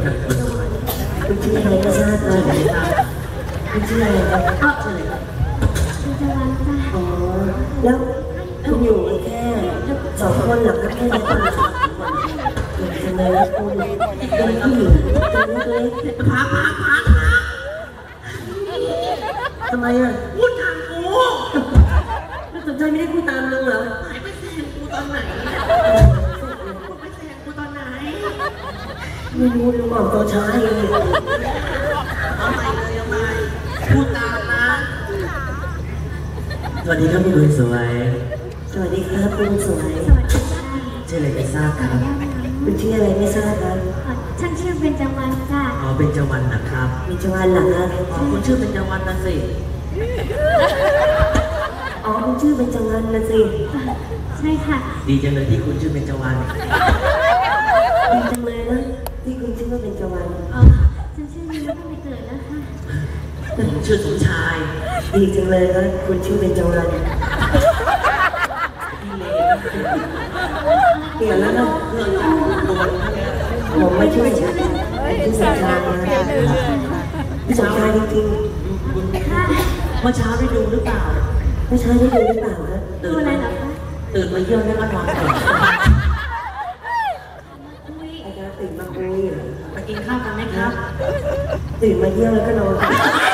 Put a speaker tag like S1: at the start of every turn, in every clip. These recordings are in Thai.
S1: คุณชื่ออะไรก็ทราบเลยคุณชื่ออะไรครับชื่ออะไรครับอ๋อแล้วคุณอยู่แค่2 คนหรอครับแค่2 คนจะเลยแล้วคุณเป็นผู้หญิงตัวเล็กๆ
S2: พัก
S1: ทำไมอ่ะ
S2: พูดทางกู
S1: ไม่สนใจไม่ได้พูดตามมึงเหรอ
S2: หายไปแซงกูตอนไหนไปแซงกูตอนไหน
S1: ไม่รู้ลุงบอกตัวช้าเอง
S2: เอาใหม่พูดตามนะ
S3: สวัสดีครับคุณสวย
S1: สวัสดีครับคุณสวย
S3: ชื่ออะไรไม่ทราบครับ
S1: คุณชื่ออะไรไม่ทราบครับ
S4: ฉันชื่อเบญจวรรณค่ะ
S3: อ๋อเป็นเจ้าวันนะครับ
S1: เบญจวรรณเหรอครับ
S3: อ๋อคุณชื่อเป็นเจ้าวันนะสิ
S1: อ๋อคุณชื่อเบญจวรรณนะสิ
S4: ใช่ค่ะ
S3: ดีจังเลยที่คุณชื่อเป็นเจ้าวัน
S1: ดีจังเลยนะที่คุณชื่อว่าเบญจวรรณ
S4: อ๋อฉันชื่อนี้ตั้งแต่เกิดแล้วค่ะ
S3: ผมชื่อสมชาย
S1: ดีจังเลยนะคุณชื่อเบญจวรรณเปลี่ยนแล้วนะผมไม่ช่วยชื่อสมชายนะพี่สมชายจริง
S3: ๆเมื่อเช้าได้ดูหรือเปล่า
S1: ไม่ใช่ได้ดูหรือเปล่าครับ
S4: ดูอะไรเหรอคะ
S3: ตื่นมาเยี่ยมแล้วก็นอนต่อ
S1: อาจารย์ตื่นมาคุย
S3: ไปกินข้าวกันไหมครับ
S1: ตื่นมาเยี่ยมแล้วก็นอน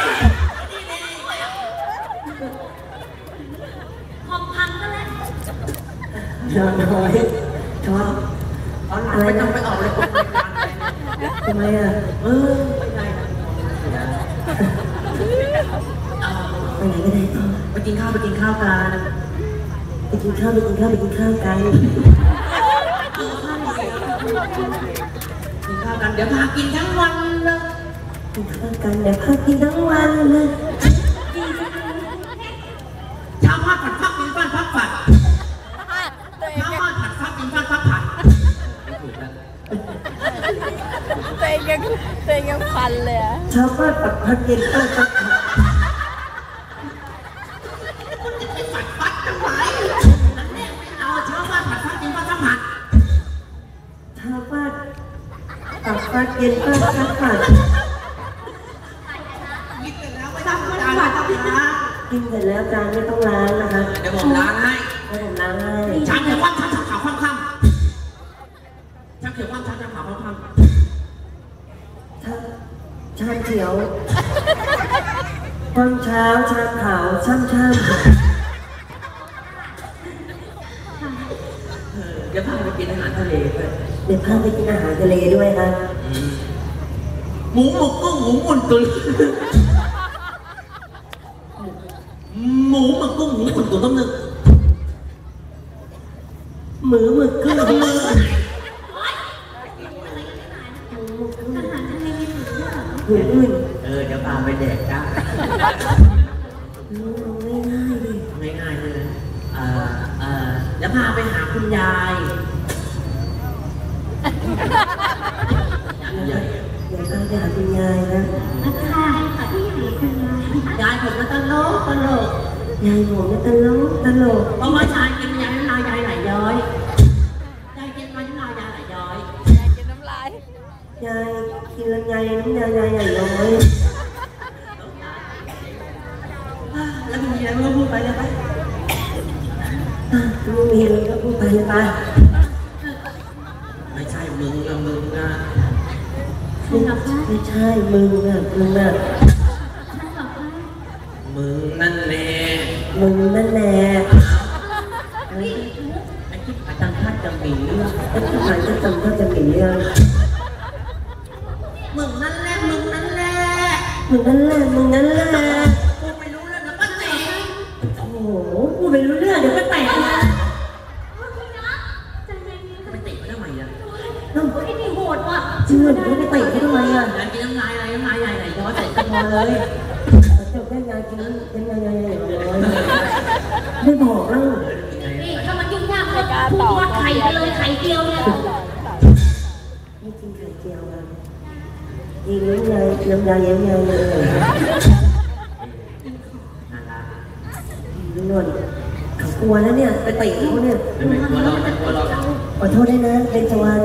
S4: ของพังก็แล้ว
S1: นอนน้อยชอบ
S3: อะไรต้องไปออกเลย
S1: ทำไมอ่ะ
S3: ไม่ได้นะ
S1: ไปไหนก็ได้ต่อ
S3: ไปกินข้าวกัน
S1: ไปกินข้าวกัน
S3: กินข้าวกัน
S1: เ
S2: ดี๋ยวพากินทั้งวันเลย
S1: กินข้าวกันเดี๋ยวพากินทั้งวันเลย
S2: ชาวบ้านผัดฟักกินฟันฟักผัดชาวบ้านผัดฟักกินฟันฟักผัด
S5: เตงยังฟันเลยอะ
S1: ชาวบ้านผัดฟักกินฟันฟักผัด
S2: ฟัดทำไมนั่นแน่ไม่เอาชาวบ้านผัดฟักกินฟันฟักผัด
S1: ชาวบ้านผัดฟักกินฟันฟักผัด
S2: กินเสร็จแล้วไม่ต้องล้างนะ
S1: กินเสร็จแล้วจานไม่ต้องล้างนะคะ
S2: เดี๋ยวผมล้างให้
S1: ผมล้างให้
S2: ช้างเขียวว่างช้างขาวค่ำช้างเขียวว่างช้างขาวค่ำ
S1: ชามเขียวตอนเช้าชามขาวช่ำ
S3: เดี๋ยวพาไปกินอาหารทะเลด้วย
S1: เดี๋ยวพาไปกินอาหารทะเลด้วยครับ
S2: หมูหมึกกุ้งหมูหมุนตุ๋นหมูหมึกกุ้งหมูหมุนตุ๋นต้องนึก
S1: หมึกกุ้ง
S4: อาหารทะเลมีหมูด้วยเหรอ
S1: หมูอื่น
S3: เดี๋ยวพาไปแดกจ้า
S1: ง่ายๆเลย
S3: เดี๋ยวพาไปหาคุณยาย
S1: เดี๋ยวพาไปหาคุณยายนะ
S4: ค่ะที่ไหนคุณยาย
S2: ผมก็ตลก
S1: ยายผมก็ตลก
S2: เพราะว่าชายกินยายน้ำลายยายไหลย้อยยายกินน้ำลายยายไหลย้อย
S5: ยายกินน้ำลาย
S1: ยายกินลำไยน้ำยายใหญ่น้อย
S2: แล้วมีอะไรไม่พูดไปเลยไป
S1: ไม่มีอะไรก็พูดไปเลยไป
S3: ไม่ใช่มึงนะ
S4: ไม่
S1: ใช่มึงอ่ะ
S3: มึงนั่นแหละ
S1: ไอ้
S3: ที่อาจารย์ท่านจะมีเรื่อง
S1: ไอ้ที่หมายจะจำก็จะมีเรื่อง
S2: มึงนั่นแหละ
S1: กูไม่รู้เรื่อง
S2: เดี๋ยวก็แตก
S1: โอ้โหกูไม่รู้เรื่องเดี๋ยวก็แตกนะ
S3: ไปเตะเขาทำไมอ่ะ
S4: ไอ้นี่โหดว่ะ
S1: จริงเหรอเดี๋ยวไปเตะเขาทำไมอ่ะ
S2: ยายกินน้ำลายอะไรน้ำลายใหญ่ไหนย้อยใส่กระเพาะเลย
S1: เจ้าแค่ยายกินน้ำยายไม่บอกแล้ว
S4: นี่ถ้ามันยุ่งยากเลยพูดว่าไข่ไปเลยไข่เจียวเนี่ย
S1: ไม่กินไข่เจียวอ่ะกินน้ำยายเลยนวดเขากลัวแล้วเนี่ยไปเตะเขาเนี่ย
S3: ไม่กลัวเรา
S1: ขอโทษด้วยนะเป็นจวาน